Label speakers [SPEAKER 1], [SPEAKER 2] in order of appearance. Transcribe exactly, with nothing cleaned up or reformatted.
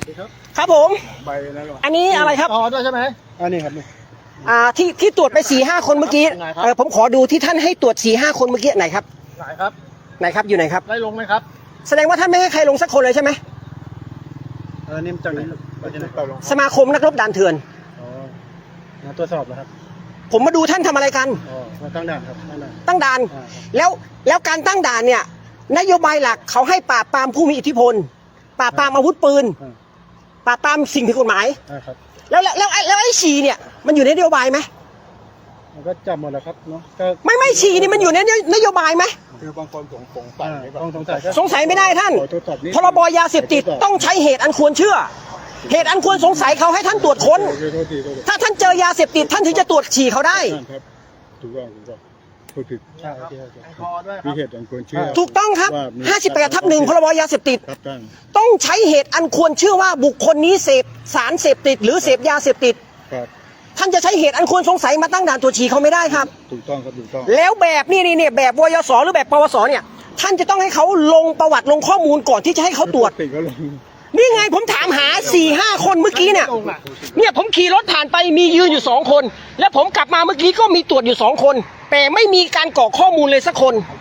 [SPEAKER 1] ครับผม
[SPEAKER 2] ใบนั่นหรอ
[SPEAKER 1] อันนี้อะไรครับ
[SPEAKER 2] อ๋อด้วยใช่ไหมอันนี้ครับ
[SPEAKER 1] อ่าที่ที่ตรวจไปสี่ห้าคนเมื่อกี้เออผมขอดูที่ท่านให้ตรวจสี่ห้าคนเมื่อกี้ไหนครับ
[SPEAKER 2] ไหนครับ
[SPEAKER 1] ไหนครับอยู่ไหนครับ
[SPEAKER 2] ไล่ลงไหมครับ
[SPEAKER 1] แสดงว่าท่านไม่ให้ใครลงสักคนเลยใช่ไหม
[SPEAKER 2] เออนี่มันจากไหน
[SPEAKER 1] สมาคมนักรบด่านเถื่อน
[SPEAKER 2] อ๋อมาตรวจสอบนะครับ
[SPEAKER 1] ผมมาดูท่านทำอะไรกัน
[SPEAKER 2] อ๋อมาตั้งด่านครับตั้งด่าน
[SPEAKER 1] ตั้งด่านแล้วแล้วการตั้งด่านเนี่ยนโยบายหลักเขาให้ปราบปรามผู้มีอิทธิพลปราบปรามอาวุธปืนปราบปรามสิ่งผิดกฎหมายแล้วแล้วแล้วแล้วไอ้ฉี่เนี่ยมันอยู่ในนโยบายไหม
[SPEAKER 2] มันก็จับหมดแล้วครับเนาะ
[SPEAKER 1] ไม่ไม่ฉี่นี่มันอยู่ในนโยบายไหม
[SPEAKER 2] คือบางคนสงสงสัยต้องสงสัย
[SPEAKER 1] สงสัยไม่ได้ท่านพรบยาเสพติดต้องใช้เหตุอันควรเชื่อเหตุอันควรสงสัยเขาให้ท่านตรวจค้นถ้าท่านเจอยาเสพติดท่านถึงจะตรวจฉี่เขาได้
[SPEAKER 2] ถูกต้องถูกต้องพูดผิดใช่มีเหตุอันควรเชื่อ
[SPEAKER 1] ถูกต้องครับห้าสิบแปดทับหนึ่งพรบยาเสพติดต้องใช้เหตุอันควรเชื่อว่าบุคคลนี้เสพสารเสพติดหรือเสพยาเสพติดท่านจะใช้เหตุอันควรสงสัยมาตั้งด่านตรวจฉี่เขาไม่ได้ครับ
[SPEAKER 2] ถูกต้องครับถูกต้อง
[SPEAKER 1] แล้วแบบนี่นี่เนี่ยแบบวยสหรือแบบปวสเนี่ยท่านจะต้องให้เขาลงประวัติลงข้อมูลก่อนที่จะให้เขาตรวจนี่ไงผมถามหาสี่ห้าคนเมื่อกี้เนี่ยเนี่ยผมขี่รถผ่านไปมียืนอยู่สองคนและผมกลับมาเมื่อกี้ก็มีตรวจอยู่สองคนแต่ไม่มีการกรอกข้อมูลเลยสักคน